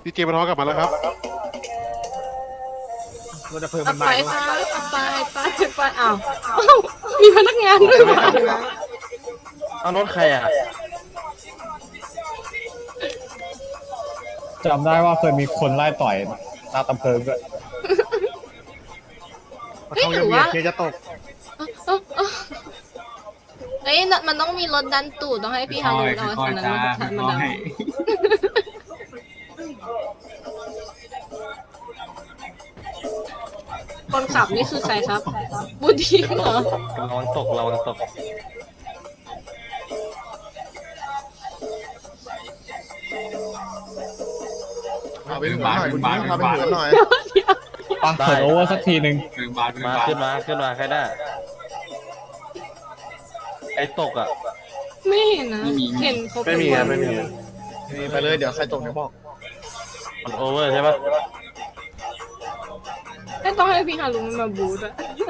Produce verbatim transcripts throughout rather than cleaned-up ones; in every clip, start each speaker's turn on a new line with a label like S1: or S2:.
S1: ดีเจมาท้อกลับมาแล้วครับ
S2: รถดับเพลิงมันมา
S3: ไปค่ะไปไปไปอ้าวมีพนักงานด้วยวะ
S4: เอารถใครอ่ะ
S5: จำได้ว่าเคยมีคนไล่ต่อยหน้าตำเพิงด้วย
S2: เขาจะเบียดเคจะตก
S3: เอ้ยมันต้องมีรถดันตูดต้องให้พี่ฮารุเอาคันนั้นมาทันมาดันคนขับนี่คือใครครับบูดีเหรอ
S4: ระวังตกระวังตก
S1: เอาไปถึงหน่อยคุณบ้านเอาไปถึงหน่อย
S5: ปะเปิดโอเวอร์สักทีหนึ่ง
S4: มาขึ้นมาขึ้นมาใครได้ไอ้ตกอ่ะ
S3: ไม่เห็นนะเห็นเขา
S4: ไม่มีครับไม่มี
S1: ไปเลยเดี๋ยวใครตกเดี๋ยวบอก
S4: มันโอเวอร์ใช่ปะ
S3: ไม่ต้องให้พี่ฮารุมันมาบูทอะ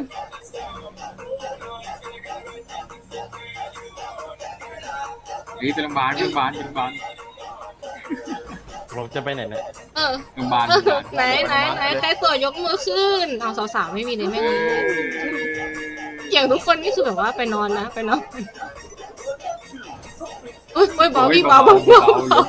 S6: นี่เป็นโรงพยาบาลเป็นโรงพยาบาลเป็นโรงพยาบาล
S4: ผมจะไปไหนเนี่ย
S3: เออ
S6: โรงพยาบาล
S3: ไหนไหนไหนใครสวยยกมือขึ้นเอาสาวๆไม่มีเลยไม่มีอย่างทุกคนนี่คือแบบว่าไปนอนนะไปนอนอุ้ยอุ้ยเบาพี่เบาเบาเบาเบา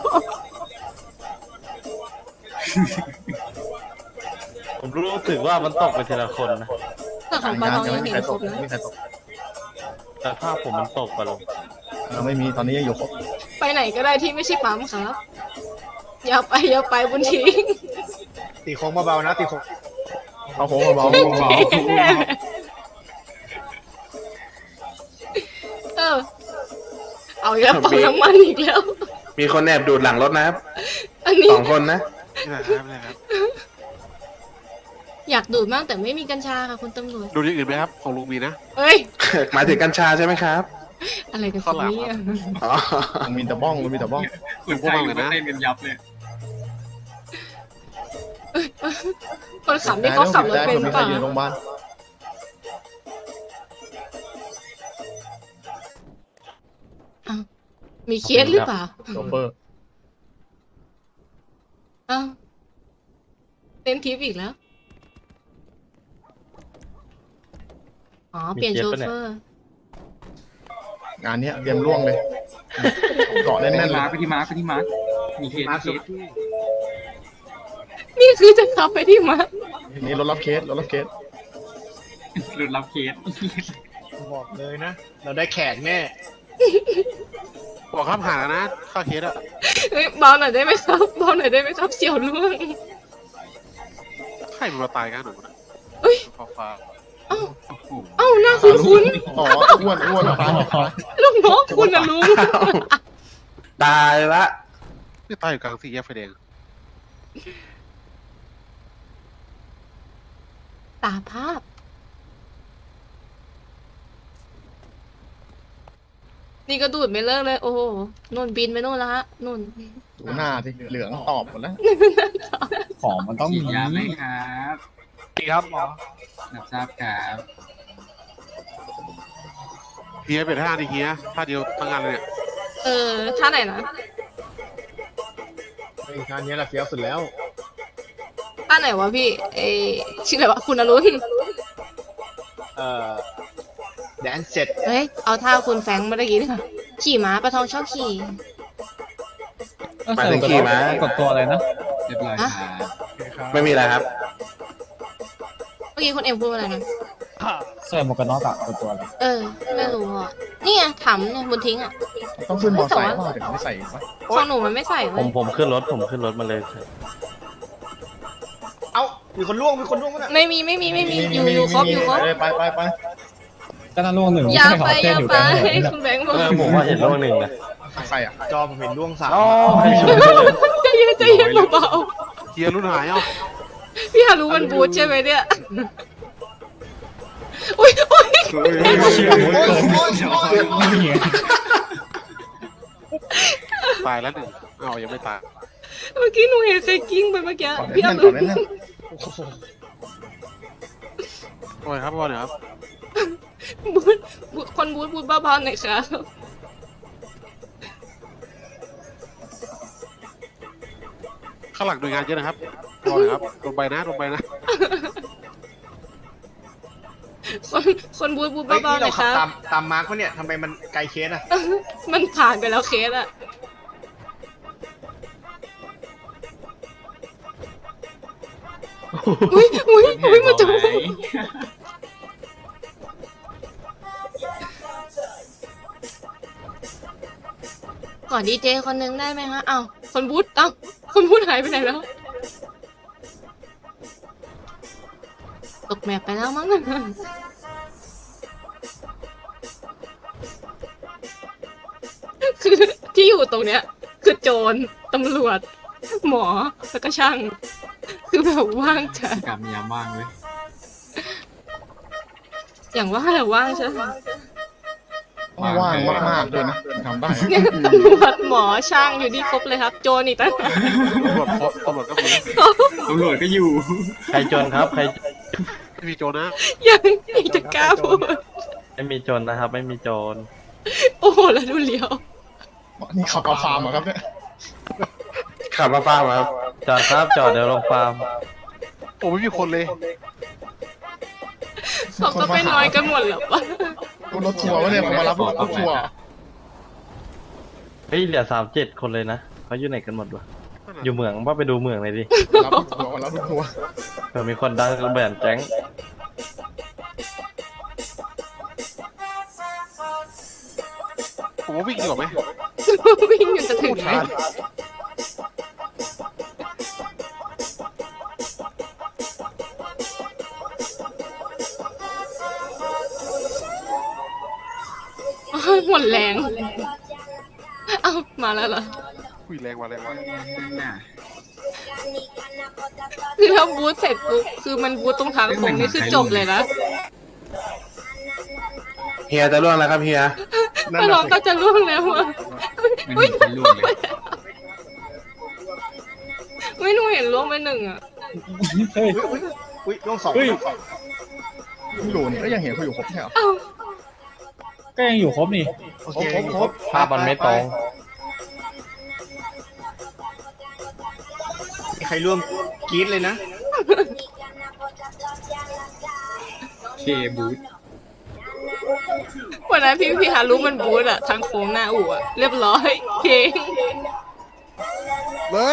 S4: ผมรู้สึกว่ามันตกไปทีละคนนะ
S3: แต่ของปลาทองยังเห็นครบนะ
S1: ไม่มีใครตก
S4: แต่ภาพผมมันตกไปลง
S1: เราไม่มีตอนนี้ยังอยู่ครบ
S3: ไปไหนก็ได้ที่ไม่ใช่ปั๊มครับอย่าไปอย่าไปบุญทิ้ง
S2: ตีโค้งเบาๆนะตีโค้ง
S1: เอาโค้งเบา
S3: เออเอาอีกแล้วปั๊มน้ำมันอีกแล้ว
S7: มีคนแอบดูดหลังรถนะครับ
S3: อันนี้
S7: สองคนนะ
S1: ๆนี่แหละครับนี่แหละครับ
S3: อยากดูดมากแต่ไม่มีกัญชาค่ะคุณตำรวจ
S1: ดูอย่างอื่นไหมครับของลุงมีนะ
S3: เอ้ย
S7: หมายถึงกัญชาใช่ไหมครับ
S3: อะไรกัน
S1: ข้าวหลาม
S3: เนี่ย
S7: อ๋อ
S1: ลุงมีแต่บ้องลุงมีแต่บ้อง
S6: คนไทยก็เต้นกันยับเลย
S3: คนขับนี่เขาขับรถเป็น
S1: มี
S3: เป
S1: ใคร
S3: ล่า
S1: อยู่โรงพยาบาล
S3: อ้าวมีเคสหรือเปล่า
S1: โชเฟอร์
S3: อ้าวเต้นทิปอีกแล้วอ๋อเปลี่ยนโชเฟอร์
S1: งานนี้เตรียมล่วงเลยเกาะ
S6: ไป
S1: แน่นๆ
S6: ที่
S1: เล
S6: มาย ร์คไปที่มาร์คไปที่มาร์คมีเคส
S2: มา
S6: เค
S2: สุด
S6: ส
S3: นี่คือจะขับไปที่มาร์ค
S1: นี่รถรับเคสรถรับเคส
S6: หลุดรับเคส
S2: บอกเลยนะ เราได้แขกแน่
S1: บอกครับหาแล้วนะค่าเคสอะ
S3: เฮ้ยเบาหน่อยได้ไหมครับเบาหน่อยได้ไหมครับเสี่ยวล่วง
S1: ใครมันมาตายกันหนูนะ
S3: เอ้ย
S1: ฟ้าฟ้า
S3: เอ้าเอ้าหน้าคุ้นคุ้น
S1: อ๋ออ้วนอ้วนฟ้าฟ้า
S3: ๆลูกน้องคุณนะลุง
S7: ตายละ
S1: นี่ตายอยู่กลางสี่แยกไฟแดง
S3: ตาภาพ นี่ก็ดูดไม่เลิกเลย โอ้โหนุ่นบินไปนู่นแล้วฮะนุ่น
S1: ดูหน้าสิเหลืองตอบหมดแล้ว
S5: ของมันต้อง
S6: ฉี
S5: มี
S6: ดยาไหมครับ
S2: ดีครับหมอ
S6: รับทราบครับ
S1: เฮียเป็นท่าดิเฮียท่าเดียวทั้งงานเลยเนี่ย
S3: เออท่าไหนนะ
S2: ไอ้คราวนี้เราเฟี้ยวสุดแล้ว
S3: ท่าไหนวะพี่เออชื่ออะไรวะคุณอรุณ
S2: เอ่อแดนเสร็จ
S3: เฮ้ยเอาท่าคุณแฟรงค์เมื่อกี้ดีกว่าขี่ม้าปลาทองชอบขี่
S7: หมายถึงขี่ม้า
S5: กดตัวอะไรนะ
S6: เรียบร้อยครับ
S7: ไม่มีอะไรครับ
S3: เมื่อกี้คุณเอ็มพูดว่าอะไรนะ
S5: ใส่หมวกกันน็อกอะกดตัวอะไร
S3: เออ ไม่รู้อ่ะ นี่ไงถามเนี่ยบนทิ้งอ่ะ
S1: ต้องขึ้นมอไซค์เปล่าถึงไม่ใส่วะ
S3: ของหนูมันไม่ใส่
S4: ผ
S3: เว้
S4: ม
S3: ย
S4: ผมขึ้นรถผมขึ้นรถมาเลย
S2: เอ้า มีคนล่วง มีคนล่วงมั้ยน่ะ
S3: ไม่มีไม่มีไม่มีอยู่อยู่ครบอยู่ครบ
S1: ไปไปไป
S5: ก็น่าล่วงหนึ่ง
S3: อย่า
S5: ไม่
S3: ไป
S5: ใช่
S3: อ
S5: เขา
S3: ย่า
S5: เต้นอยู่
S3: ไป
S5: กัน
S3: คุณแบงค์บอก
S4: เออผมว่าเห็นโลกหนึ่งนะ
S1: ใครอ่ะ
S2: จอผมเห็นล่วงสาม
S4: อ๋อ
S3: ใจเย็นใจเย็นเบา
S1: เฮียรุ่นหายเอ้า
S3: ๆพี่ฮารุมันบูทใช่ไหมเนี่ยอุ้ยอุ้ย
S5: เชี่ยมุดเกินไม่เห็น
S1: ตายแล้วหนึ่งเอ้ายังไม่ตาย
S3: เมื่อกี้หนูเห็นใครกิ้งไปเมื่อกี้
S1: ก่อน
S3: พี่
S1: แน่
S3: ฮาน
S1: ๆ
S3: รุ
S1: ก่อนแน่น
S2: โอ้โห
S1: ๆโอ้ยครับบอลเนี่ยครับ
S3: บูทบูทคนบูทบูทเบาๆหน่อยครับ
S8: ข้างหลังหน่วยงานเยอะนะครับรอเลยครับลงไปนะลงไปนะ
S3: คนคนบูดบูด
S2: เฮ้ย
S3: เบา
S2: นี่
S3: ๆหน่
S2: เรา
S3: อยค
S2: ขับ
S3: รับ
S2: ตามตามมาร์คปะเนี่ยทำไมมันไกลเคสอะ
S3: มันผ่านไปแล้วเคสอะอุ้ยอุ้ยอุ้ยมันจะ
S6: ไหม
S3: ขอดีเจคนนึงได้ไหมฮะอ้าวคนบูธอ้าวคนบูธหายไปไหนแล้ว ตกแมปไปแล้วมั้ง คือที่อยู่ตรงเนี้ย คือโจรตำรวจ หมอ แล้วก็ช่าง คือแบบว่างจ้ะ
S6: กลับมียามว่างเลย
S3: อย่างว่าแหละว่างใช่ไหม
S1: ต้องว่างมากๆด้วยนะทำได้
S3: เนี่ยตำรวจหมอช่างอยู่นี่ครบเลยครับ โจรอีกตั้ง
S8: ตำรวจครบตำรวจก็มี
S6: ตำรวจก็อยู่
S4: ใครจนครับ ใคร
S8: ไม่มีโจรนะ
S3: ยังยังจะกล้าพูด
S4: ไม่มีจนนะครับ ไม่มีโจร
S3: โอ้โหแล้วดูเลี้ยว
S1: นี่ขับเอาฟาร์มเหรอครับเนี่ย
S7: ขับมาฟ้ามาครับ
S4: จอดครับ จอดเดี๋ยวลงฟาร์ม
S8: โอ้ไม่มีคนเลย
S3: เขาก็ไปน้อยกันหมดแล้วปะ
S1: รถทัวร์วะเนี่ยผมมารับรถทัวร์
S4: เฮ้ยเหลือสามเจ็ดคนเลยนะเขาอยู่ไหนกันหมดวะอยู่เมืองว่าไปดูเมืองเลยดิ
S1: รับรถทัวร์มารับรถทัวร์
S4: เผื่อมีคนดังระเบิดแจ้ง
S8: ผมว่าวิ่งดีกว่าไหม
S3: วิ่งอยู่จะถึงไหมหมดแรง เอ้ามาแล้วเหรอ
S8: คุยแรงกว่าแรงกว่า
S6: นั่นน่ะ
S3: คือถ้าบูธเสร็จปุ๊บคือมันบูธตรงทางโค้งนี่คือจบเลยนะ
S7: เฮียจะล่วงแล้วครับเฮีย
S1: นั่น
S3: ถ้า
S1: น่ะ
S3: น้อง
S1: สิ
S3: ก็จะล่วงแล้วอะ
S6: มันเห็นเป็นลูกเลย
S3: ไม่หนูเห็นล่วงไปหนึ่งอะ
S5: เฮ้ย
S2: อุ้ยล่วงสอง
S5: เฮ้ย
S1: อยู่นี่ก็ยังเห็นเขาอยู่ครบใช่เหรอ
S3: เอ้า
S5: ก็ยังอยู่ครบนี่
S2: โอเค
S1: ครบครบ
S4: ภาพมันไม่ตรง
S2: มีใครร่วมกรี๊ดเลยนะ
S6: เคบูธ
S3: วันนั้นพี่พี่ฮารุมันบูธอะทางโค้งหน้าอู่อะเรียบร้อยเพลง
S8: เลย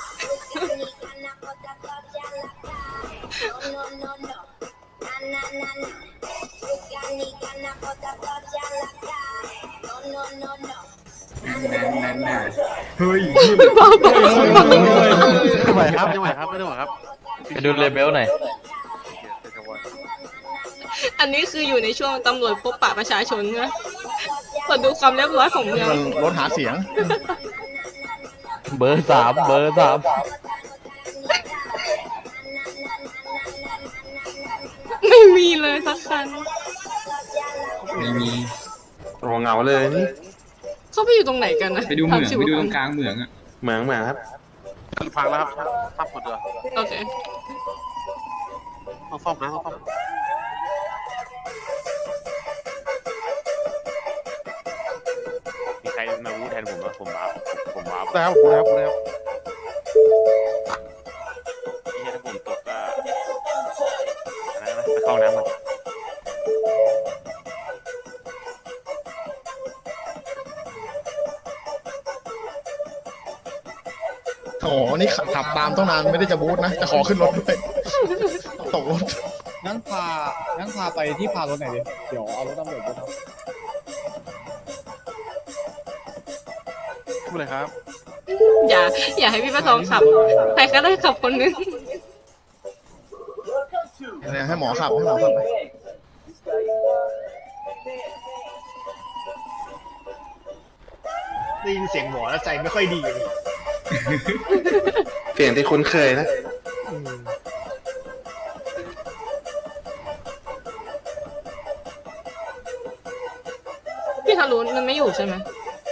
S6: นั่นนั่นนั่นน่ะ
S2: เฮ้ย
S3: บ้าบอ
S8: ไม่ไหวครับไม่ไหวครับไม่ไหวครับ
S4: ไปดูเลเบลหน่อย
S3: อันนี้คืออยู่ในช่วงตำรวจพบปะประชาชนนะขอดูความเรียบร้อยของเมือง
S1: มันรถหาเสียง
S4: เบอร์สามเบอร์สาม
S3: ไม่มีเลยสักคัน
S6: ไม่มี
S7: โอ้เหงาเลยนี่
S3: เขาไปอยู่ตรงไหนกันนะ
S6: ไปดูเหมือง
S3: ทำชี
S6: ไป
S3: วิต
S6: ดูตรงกลางเหมืองอ่ะ
S7: เหมืองเหมืองครับ
S8: พังแล้วครับซ่อมหมดเลย
S3: โอเค
S8: ต้องซ่อมนะต้องซ่อม
S9: มีใครมาวู้แทนผมว่าผมว้าผมว้า
S8: ได้ครับผมได้ครับผมได้ครับ
S9: ที่ถ้าผมตกก็อะไรนะไปเข้าน้ำก่อน
S1: โอ้โหนี่ขับตามต้องนานไม่ได้จะบูธนะ จะขอขึ้นรถด้วยตกรถ
S5: งั้นพา งั้นพาไปที่พารถหน่อยดิ เดี๋ยวเอารถตำรวจไปทำ
S8: พูดเลยครับ
S3: อย่า อย่าให้พี่ประทองขับ ใครก็ได้ขับคนนึง
S1: เนี่ยให้หมอขับให้หมอขับไป
S2: ได้ยินเสียงหมอแล้วใจไม่ค่อยดีเลย
S7: เสียงที่คุ้นเคยนะ
S3: พี่ฮารุมันไม่อยู่ใช่ไหม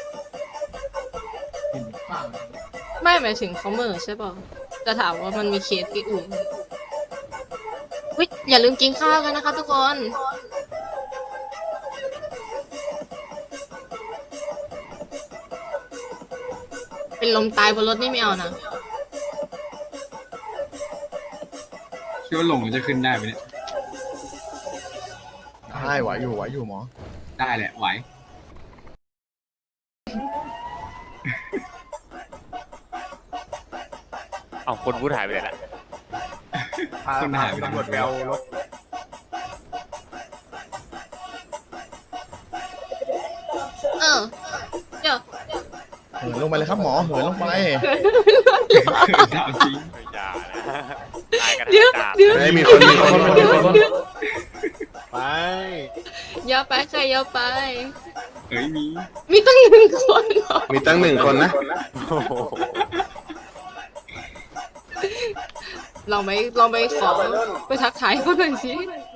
S3: ไม่หมายถึงเขาเหม่อใช่ป่ะจะถามว่ามันมีเคสที่อื่นวิอย่าลืมกินข้าวกันนะคะทุกคน เป็นลมตายบนรถนี่ไม่เอานะ
S6: คิดว่าหลงจะขึ้นได้ไหมเนี่ย
S1: ได้ไหวอยู่ไหวอยู่หมอ
S6: ได้แหละไหว
S9: เอาคนพูดหายไปเลยละ
S2: พา
S6: คนหายไป
S2: ตำรวจไปเอารถ
S3: เออเดี๋ยว
S1: เหินลงไปเลยครับหมอเหินลงไป
S6: ถามจริง
S9: ไม่อย่านะตายกัน
S3: เดี๋ยว
S9: ดาบ
S3: เดี๋ยว
S7: เฮ้ยมีคนมีคนมีคน
S2: ไป
S3: อย่าไปใครอย่าไป
S6: เฮ้ยมี
S3: มีตั้งหนึ่งคนเหรอ
S7: มีตั้งหนึ่งคนนะ
S9: โอ้โห
S3: ลองไปลองไปขอไปทักทายเขาหน่อยสิ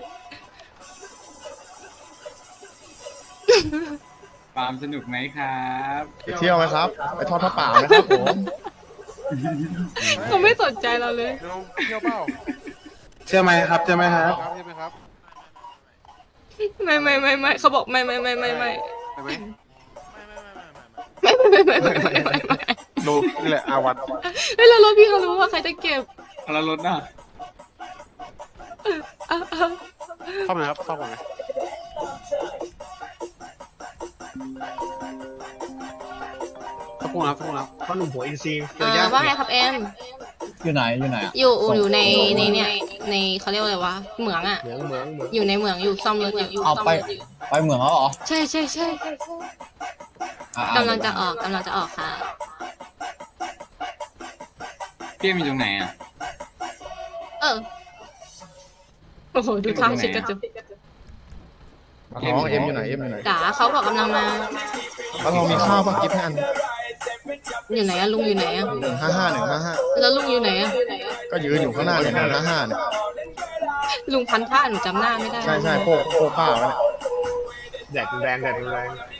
S6: ฟาร์มสนุกไหมครับ
S1: ไปเที่ยวไหมครับ ไปทอดผ้าป่าไหมครับผม
S3: เขาไม่สนใจเราเลย
S8: เที่ยวเที่ยวเปล่า
S7: เชื่อไหมครับเชื่อไหมครับ
S8: ครับใช่ไหมครับ
S3: ไม่ไม่ไม่ไม่เขาบอกไม่ไม่ไม่ไม่ไม่
S8: ใช่ไหม
S3: ไม่ไม่ไม่ไม่ไม่ไม่ไม่
S8: ดูนี่แหละอาวัน
S3: เฮ้ยแล้วรถพี่เขารู้ว่าใครจะเก็บ
S6: เอาแล้วรถน่ะ
S3: อ่ะอ่ะ
S8: เข้ามาครับเข้ามาไหมสักครู่นะครับสักครู่นะครับ
S2: พ่อหนุ่มหัวอินซีย์เจ
S3: เอ
S2: อ
S3: อ
S2: ยาก
S3: ว่าไงครับแอม
S5: อยู่ไหนอยู่ไหนอะ
S3: อยู่อยู่ในในเนี่ยในเขาเรียกว่าอะไรวะเหมืองอ่ะ
S2: เหมืองเหมืองเหมือง
S3: อยู่ในเหมืองอยู่ซ่อมรถอยู่
S5: เอาไปไปเหมืองแล้วเหรอ
S3: ใช่ใช่ใช่
S5: อ่ะ
S3: กำลังจะออกกำลังจะออกค่ะ
S6: เปี้ยมีตรงไหนอ่ะ
S3: เออโอ้โหดูทางชิดกระจุก
S1: น้องเอ็มอยู่ไหนเอ็มอยู่ไหน
S3: จ๋าเขาบอกกำลังมา
S1: แล้วเรามีข้าวปะกิฟต์ให้อัน
S3: อยู่ไหนอะลุงอยู่ไหนอะ
S1: หนึ่งห้าห้าหนึ่งห้าห้า
S3: แล้วลุงอยู่ไหนอะ
S1: ก็ยืนอยู่ข้างหน้าเนี่ยหนึ่งห้าห้าเนี่ย
S3: ลุงพันผ้าหนูจำหน้าไม่ได้
S1: ใช่ใช่โพกโพกผ้าไว้เนี่ย
S2: แดดแรงแดดแรง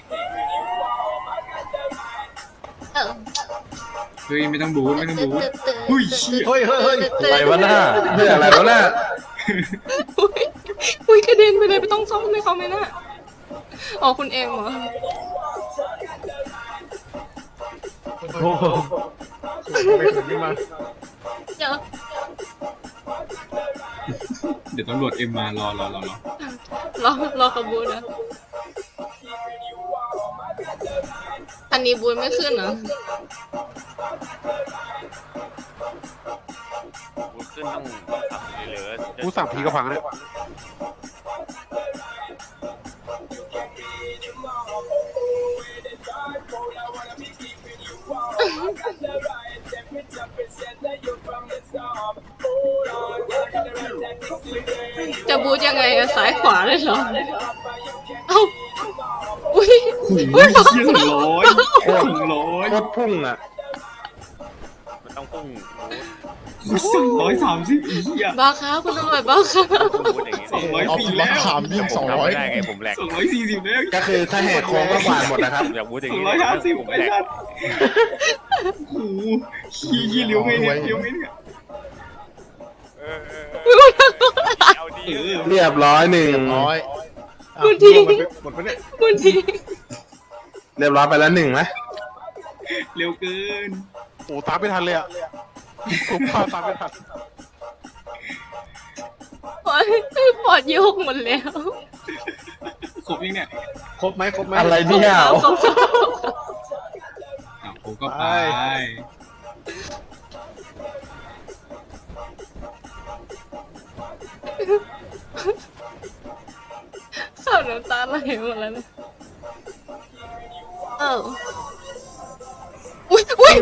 S3: เออ
S6: เฮ้ยไม่ต้องบูทไม่ต้องบูท อุ้ยเชี่ย
S2: เฮ้ยเฮ้ยเฮ้ย
S4: อะไรวะหน้า
S7: เพื่ออะไรวะน่ะ
S3: อุ้ยอุ้ยกระเด็นไปเลยไม่ต้องซ่อมให้เขาไหมน่ะอ๋อคุณเอ็มเหรอ
S4: โอ้โห
S2: ไม่ถึงนี่มา
S3: เดี๋ยว
S6: เดี๋ยวตำรวจเอ็มมารอรอรอรอ
S3: รอรอขบวนนะอันนี้บูนไม่ขึ้นเหรอ
S9: พูดขึ้นต้องขับเหลือๆ
S8: กูสั่งผีกระพังเนี่ย
S3: จะบูทยังไงอะซ้ายขวาเลยเหรอเอ้าอุ้ย
S6: โอ้โห
S3: อุ้ย
S6: เชี่ยถึงร้อยถึงร้อย
S7: โคตรพุ่งอ่ะ
S9: มันต้องพุ่ง
S6: กูสั่งร้อยสามสิบอีเหี้ย
S3: บ้าครับคุณตำรวจบ้าครับ
S9: พูดอย่างนี้
S6: สองร้อย
S1: เอา
S6: สี่
S1: กิน
S6: แล้
S1: มะ
S6: ว
S1: ขามยิ่งสองร้อย
S9: ไม่ได้ไงผมแหลก
S6: สองร้อยสี่สิบแล้ว
S7: ก็คือถ้าแหกโค้งก็กวาดหมดนะครับ
S9: อยากพูดอย่าง
S6: สอง
S9: นี้
S6: ร้อยห้าสิบ
S9: ผม
S6: ไอ้
S9: แหลก
S6: ชัดโอ้โหขี้ขี้เลี้ยวไงเนี่ยเลี้ยวไงเนี่ย
S9: เออเออเออเอาดี
S6: เออ
S7: เรียบร้อยหนึ่ง
S1: ร้อย
S3: บูนทิ้ง
S2: หมดไปเนี่ย
S3: บูนทิ้ง
S7: เรียบร้อยไปแล้วหนึ่งนะ
S6: เร็วเกิน
S8: โอ้ตามไม่ทันเลยอ่ะผมพาตามไม่ทัน
S3: ปอดปอดโยกหมดแล้ว
S6: ครบยังเนี่ย
S2: ครบไหมครบไหม
S4: อะไรเนี่ย
S3: ครบแล้ว
S6: อ่ะผมก็ไป
S3: ข้าวน้ำตาไหลหมดแล้วนะเอออุ้ยอุ้ย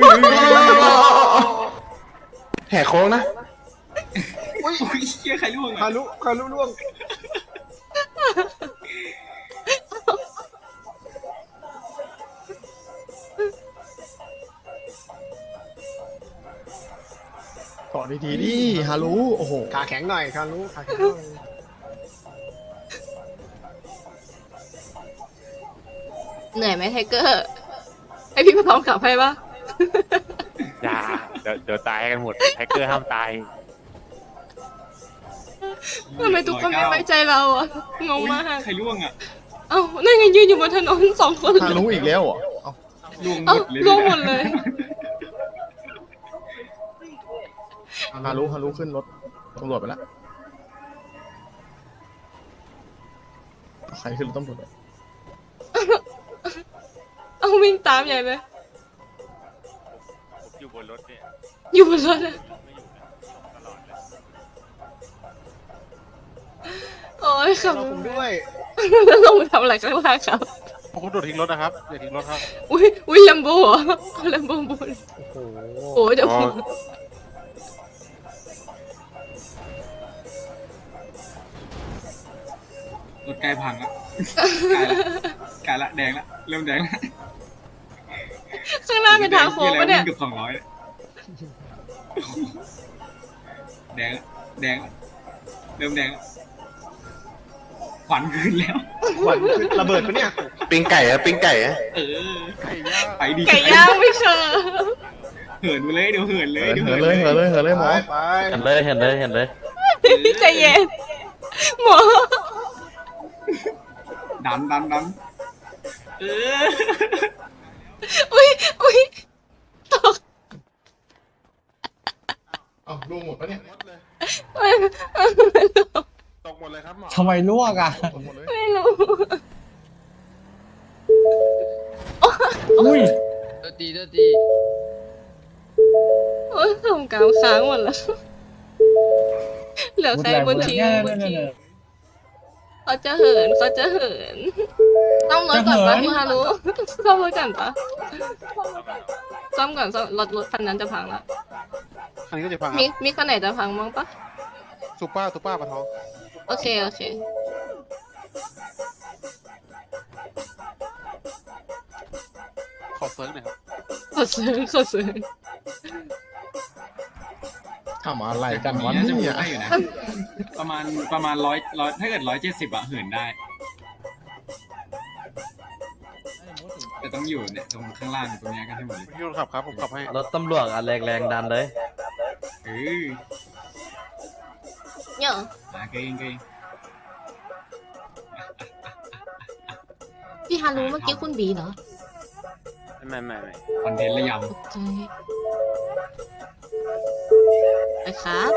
S7: แหกโค้งนะ
S6: อุ้ยเชี่ยใครล่วง
S2: คา
S6: อ่ะ
S2: รุคารุล่วง
S1: เกาะดีๆดิฮารุโอ้โห
S2: ขาแข็งหน่อยคารุขาแข็งหน่อย
S3: เหนื่อยไหมไทเกอร์ไอพี่ไปพร้อมขับให้ปะ
S9: อย่าเดี๋ยวเดี๋ยวตายกันหมดแฮกเกอร์ห้ามตาย
S3: ทำไมทุกคนไม่ไว้ใจเราอ่ะงง
S6: อุ๊ย
S3: มาก
S6: ใครล่วงอ่ะ
S3: เอ้านั่นไงยืนอยู่บนถนนสองคน
S1: ฮารุอีกแล้วเหรอเอ้า
S6: ล่วงหม
S3: เอ้า
S6: ดเลย
S3: ล่วงหมดเลย
S1: ฮารุฮารุขึ้นรถตำรวจไปแล้วใครขึ้นรถตำรวจอะ
S3: เอาวิ่งตามใหญ่เลย
S9: ผมอยู่บนรถเนี่ย
S3: อยู่บนรถอะ
S9: ไม่อยู่นะตลอดเลย
S3: โอ้ยขับ
S2: เราผมด้วย
S3: แล้วลงไปทำอะไรข้างล่างครับ
S8: พวกคุณโดดทิ้งรถนะครับอย่าทิ้งรถครับ
S3: อุ้ยอุ้ยลัมโบเหรอลัมโบบุน
S2: โอ้โห
S3: โอ้ยเดี๋ยว
S7: อ๋อ
S6: รถใกล้พังแล้วใกล้ละใกล้ละแดงละเริ่มแดงละ
S3: ข้างหน้าเป็นทางโค้งปะเนี่ย
S6: เกือบสองร้อยแดงละแดงละเริ่มแดงละขวัญขึ้นแล้ว
S2: ขวัญขึ้นระเบิดปะเนี่ย
S7: ปิ้งไก่อะปิ้งไก่อะ
S6: เออ
S8: ไก่ย่าง
S6: ไปดี
S3: ไก่ย่างไม่เคย
S6: เหินไปเลยเดี๋ยวเหินเลย
S1: เหิน
S6: เดี๋ยว
S1: เหินเลยเหินเลยเหินเลยหม
S2: ไป
S1: อ
S2: ไป
S4: เห็นเลยเห็นเลยเห็นเลย
S3: ใจเย็นหมอ
S6: ดันดันดันเออ
S3: อุ้ยอุ้ยตก
S1: เอ้าลูกหมดปะเนี่ย
S8: หมดเลย
S3: ไม่
S8: ตกหมดเลยครับหมอ
S5: ทำไมลวกอ่ะ
S1: หมดเลย
S3: ไม่รู้
S5: อุ้ย
S10: ตีเตตี
S3: โอ้ยส่งกาวค้างหมดแล้วเหลือใครบนทีม
S5: เนี่ย
S3: บน
S5: เนี่ย
S3: ที
S5: เนี่
S3: ม
S5: ย
S3: เขาจะเหินเขาจะเหินต้องรถก่อนปะ
S5: จะเหิน
S3: พี่ฮารุซ่อมรถก่อนปะซ่อมก่อนซ่อมรถรถคันนั้นจะพังแล้ว
S8: คันนี้ก็จะพังค
S3: มี
S8: รับ
S3: มีคันไหนจะพังมั้งปะ
S8: ซูเปอร์ซูเปอร์ปะทอง
S3: โอเคโอเค
S8: ขอเซิร์ฟหน่อยครับ
S3: ขอซื้อขอซื้อ
S1: ทำอะไรกันวะ
S6: น่าจะ
S1: เนี่ย
S6: ได้อยู่นะ ประมาณประมาณร้อยร้อยถ้าเกิดร้อยเจ็ดสิบอะเหินได้ แต่ต้องอยู่เนี่ยตรงข้างล่างตรงเนี้ยกันให้หมดเลย
S8: พี่คนขับครับผมขับให้
S4: รถตำรวจอะแรงแรงๆดันเลย
S6: เออ
S3: เนี่ย
S6: มาเก่งเก่ง
S3: พี่ฮารุเมื่อกี้คุณบีเหรอ
S9: ไม่ไม่ไม่
S6: คอนเทนต์ระย
S3: ตกใจไปครับ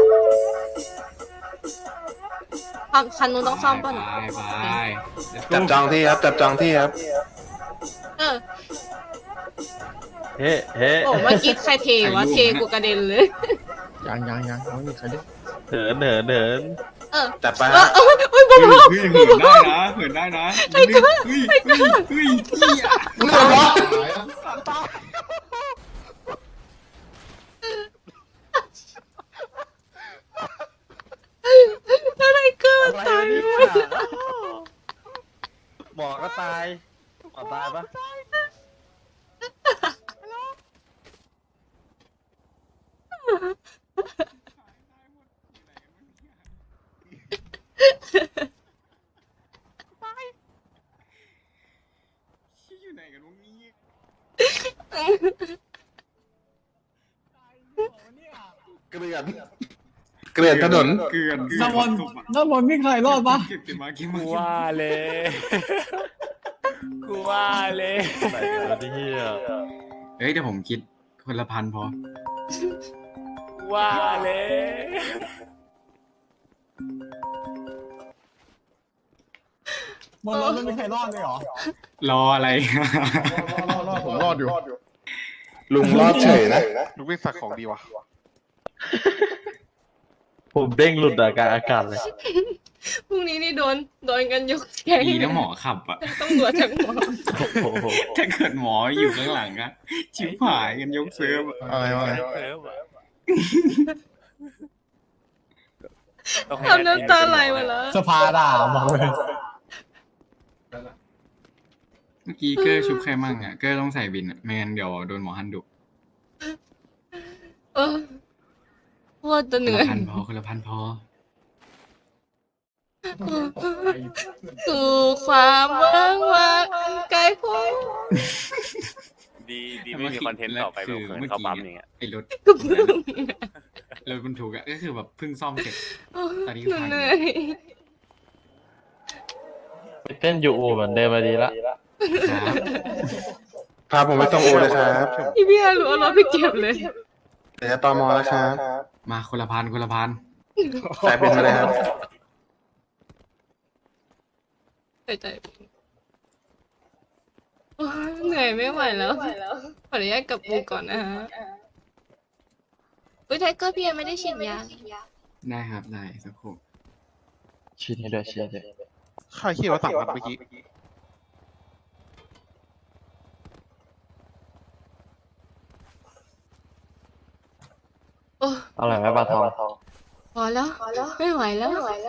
S3: คันคันนู้น
S6: ำ
S3: ต้องซ่อมป่ะ
S6: ไป
S3: เนี่ย
S6: ไป
S7: จับจองที่ครับ จับจองที่ครับ
S3: เออ
S4: เฮ้เฮ้
S3: โอ้เมื่อกี้ใครเทวะเทกูกระเด็นเลย
S1: ยังยังยังไม่มีใครได้
S4: เหินเหินเหิน
S3: เออ
S7: จัดไป
S3: เอ
S7: ฮะ
S3: อเออเอ้ย
S6: เฮ้
S3: บ้าย
S6: เฮ้ยเหินได้นะเหินได้นะเฮ้ยเฮ้ยเฮ้ยเฮ้ยเฮ้ย
S7: มึงเดือดร้อน
S1: ตายอะ
S3: อะไรเกิด
S4: อะไร
S3: ตายว
S4: ะเนี่ย
S3: หมดเลย
S4: หมอก็ตายหมอตายปะ
S6: อยู่ไหนกันวะเนี่ย
S7: เกลือนเกลือนถนน
S6: เกลือน
S5: น้ำวนน้ำวนมีใครรอดปะ
S6: เก็บเก็บมาเก็บมา
S2: กูว่าเลยกูว่าเลย
S4: ไหนวะที่เฮีย
S6: เฮ้ยเดี๋ยวผมคิดคนละพันพอ
S2: กูว่าเลย
S5: บนรถไม่มีใครรอดเลยเหรอ
S6: รออะไร
S1: รอดรอดผมรอดอยู่
S7: ลุงรอดเฉยนะ
S8: ลูกวิ่งสักของดีวะ
S4: ผมเด้งหลุดอากาศอากาศเลย
S3: พรุ่งนี้นี่โดนโดนกันยกแก๊ง
S6: ดีนะหมอขับอะ
S3: ต้องตรวจทั้งหมด
S4: โอ้โห
S6: ถ้าเกิดหมออยู่ข้างหลังอะชิบหายกันยกเซิร์ฟอะ
S1: อะไรวะ
S2: เออว่ะ
S3: ทำน้ำตาไหลหมดแล้ว
S5: สภาด่าบอกเลย
S6: เมื่อกี้เกอร์ชุบใครมั่งอะเกอร์ต้องใส่บินอะไม่งั้นเดี๋ยวโดนหมอฮันดุ
S3: เออโคตรจะ
S6: ค
S3: เห
S6: น
S3: นื่อ
S6: ละ
S3: ย
S6: พันพอคนละพันพอ
S3: สู่ความว่างว่างอันไกลโพ้น
S9: ดีดีไม่มีคอนเทนต์ต่อไปแบบเขินเข้าปั๊มอย่างเงี้ย
S6: ไอ้รถ
S3: ก็เพิ่ง
S6: รถบรรทุกอะก็คือแบบเพิ่งซ่อมเสร็จ ตอนนี้
S3: หนู
S6: พัง
S3: เหนื่อย
S4: ไปเต้นยูอูเหมือนเดิมมาดีละ
S6: ครับ
S7: พาผมไปส่งอูเลยครับ
S3: พี่พี่อารู้เอารถไปเก็บเลย
S7: เดี๋ยวจะตอมอแล้วครับ
S6: มาคนละพันคนละพัน
S7: สายเป็นมาเลยครับ
S3: ใจใจโอ๊ยเหนื่อยไม่ไหวแล้วขออนุญาตกลับบูก่อนนะฮะอุ้ยไทเกอร์พี่ยังไม่ได้ฉีดยา
S6: ได้ครับได้สักครู่
S4: ชีดให้ด้วยชีดให้ด้วย
S8: ใครขี่รถสั่งมันเมื่อกี้
S3: โอ้
S4: อร่อยไหมปลาทอง
S3: พอแล้วไม่ไหวแล้ว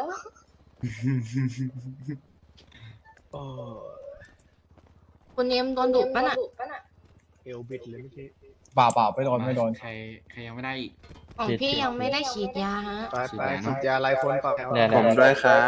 S3: คุณเนมโดนดุปะน่ะ
S5: เอลบิดเลยเมื่อกี้เปล่าเปล่าไม่โดนไม่โดน
S6: ใครใครยังไม่ได้อีก
S3: ของพี่ยังไม่ได้ฉีดยาฮะ
S5: ไปไปฉีดยาไล่คนก่อน
S4: เนี่ย
S7: ผมด้วยครับ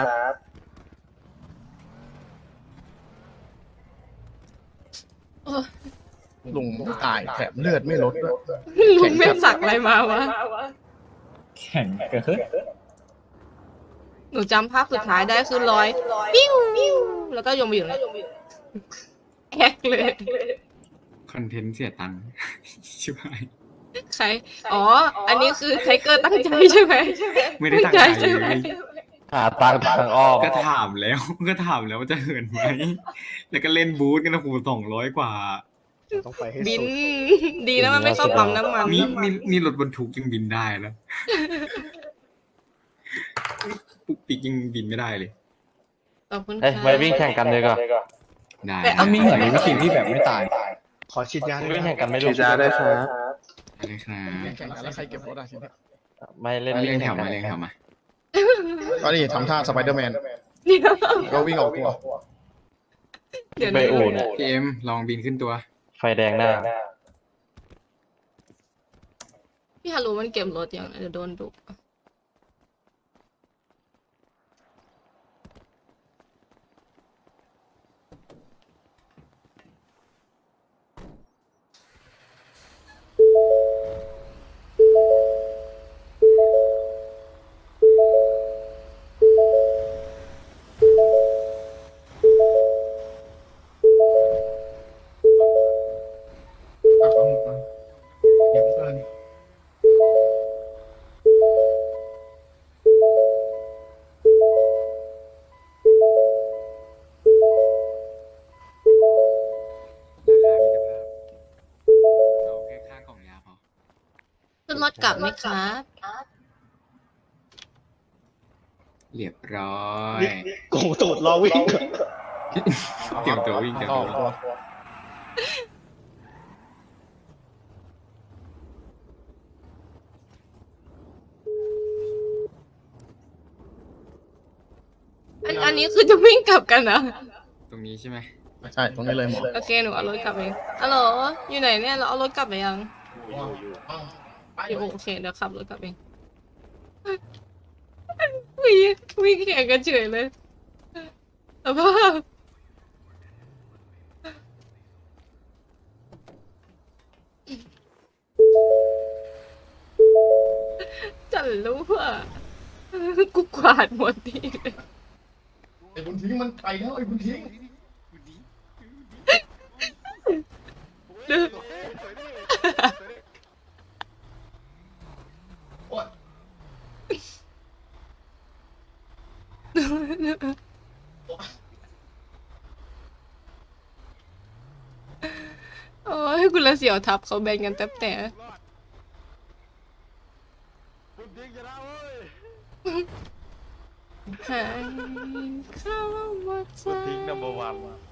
S1: ลุงไม่ตายแถมเลือดไม่ลดด้วย
S3: ลุงแม่งสักอะไรมาวะ
S5: แข่งเกิด
S3: หนูจำภาพสุดท้ายได้คือร้อยปิ้วแล้วก็ยงไปอยู่เลยแอกเลย
S6: คอนเทนต์เสียตังค์ชิบหาย
S3: ใคร อ๋อ อันนี้คือไทเกอร์ตั้งใจใช่ไหม
S6: ไม่ได้ตั้งใจ
S3: ใช่ไหม
S6: เลย
S4: หาตังค์ทางอ้อม
S6: ก็ถามแล้ว ก็ถามแล้วว่าจะเหินไหม แล้วก็เล่นบูธกันนะคูสองร้อยกว่า
S5: ต้องไปให้
S3: บิน
S5: สุด
S3: ดีนะมันไม่เข้าปั๊มน้ำมัน
S6: นี่นี่นี่รถบรรทุกยังบินได้แล้ว ปุ๊กปิ๊กยังบินไม่ได้เลย
S3: ขอบคุณ
S4: เอ้ย
S3: ค่ะ
S4: ไปวิ่งแข่งกันเลยก่อน
S6: ได้
S3: แต่
S5: มันมีเหมือนวิธีที่แบบไม่ตาย ขอฉีดยาด้วย
S4: วิ่งแข่งกันไม่
S7: ฉี
S4: รู้
S7: ดยาด้วยครับ
S6: อะไรครับ
S1: แข่งกันแล้วใครเก็บรถอ่ะทีนี้
S4: ไม่เล่น
S6: เอา
S4: วิ่
S6: เรีย
S4: ง
S6: งแถ
S4: แข่
S6: ว
S4: งกั
S6: มาน เรียงแถวมา
S1: ก็นี่ทำท่าสไปเดอร์แมน
S3: เดี๋ยว
S1: ก็วิ่งออกตัว
S3: เดี๋ยว
S4: ไป
S3: นะ
S4: อู่เนี่ย
S6: พี่เอ็มลองบินขึ้นตัว
S4: ไฟแดงหน้า
S3: พี่ฮารุมันเก็บรถอย่างเดี๋ยวโดนดุ
S1: เก็บเกิน
S6: ราคามิตรภาพเอาแค่ค่ากล่องยาพอ
S3: ขึ้นรถกลับไหมครับ
S6: เรียบร้อย
S5: โกงตูดรอวิ่ง
S6: เตรียมตัววิ่งเตรียม
S1: อ
S6: ตั
S1: อ
S6: ว
S1: ก
S6: วิ่ง
S1: ตัว
S3: อันอันนี้คือจะวิ่งกลับกันนะ
S6: ตรงนี้ใช่ไหม
S1: ใช่ตรงนี้เลยหมด
S3: โอเคหนูเอารถกลับเองฮัลโหลอยู่ไหนเนี่ยเราเอารถกลับไปยังอยู่โอเคเดี๋ยวขับรถกลับเองวิ่งวิ่งแข่งกันเฉยเลยสภาพจันรู้ว่ากูกวาดหมดทีเลย
S1: ไอ้บุญทิ้งมันไปแล้วไอ้บุญทิ้ง โอ๊ย
S3: โอ้ยคุณละเสียวทับเขาแบ่งกันแทบแต่
S8: คุณยิงจะได้เว้ย
S3: หายเข้ามาใจ
S4: ทิ้ง number one